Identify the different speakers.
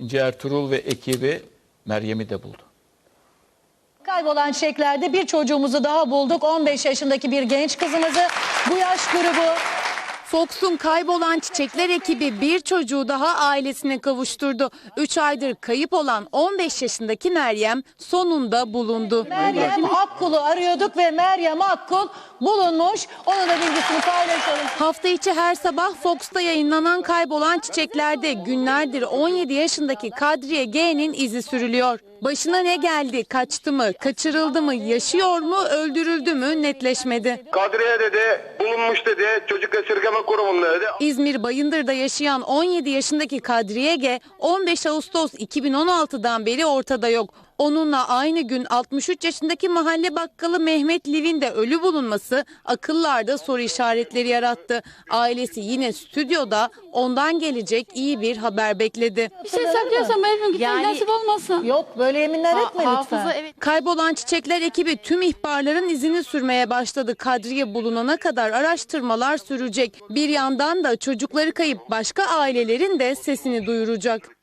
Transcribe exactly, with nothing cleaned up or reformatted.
Speaker 1: İnce Ertuğrul ve ekibi Meryem'i de buldu.
Speaker 2: Kaybolan çiçeklerde bir çocuğumuzu daha bulduk. on beş yaşındaki bir genç kızımızı. Bu yaş grubu.
Speaker 3: Fox'un kaybolan çiçekler ekibi bir çocuğu daha ailesine kavuşturdu. üç aydır kayıp olan on beş yaşındaki Meryem sonunda bulundu.
Speaker 2: Meryem Akkul'u arıyorduk ve Meryem Akkul bulunmuş. Onun da bilgisini paylaşalım.
Speaker 3: Hafta içi her sabah Fox'ta yayınlanan kaybolan çiçeklerde günlerdir on yedi yaşındaki Kadriye G'nin izi sürülüyor. Başına ne geldi, kaçtı mı, kaçırıldı mı, yaşıyor mu, öldürüldü mü netleşmedi.
Speaker 4: Kadriye dedi, bulunmuş dedi, çocuk esirgeme kurumunda dedi.
Speaker 3: İzmir Bayındır'da yaşayan on yedi yaşındaki Kadriye G on beş Ağustos iki bin on altıdan beri ortada yok. Onunla aynı gün altmış üç yaşındaki mahalle bakkalı Mehmet Liv'in de ölü bulunması akıllarda soru işaretleri yarattı. Ailesi yine stüdyoda ondan gelecek iyi bir haber bekledi.
Speaker 5: Bir şey saklıyorsam evim gitmem
Speaker 3: Yani-
Speaker 5: nasip olmasın.
Speaker 2: Yok böyle yeminler etme lütfen.
Speaker 3: Evet. Kaybolan çiçekler ekibi tüm ihbarların izini sürmeye başladı. Kadriye bulunana kadar araştırmalar sürecek. Bir yandan da çocukları kayıp başka ailelerin de sesini duyuracak.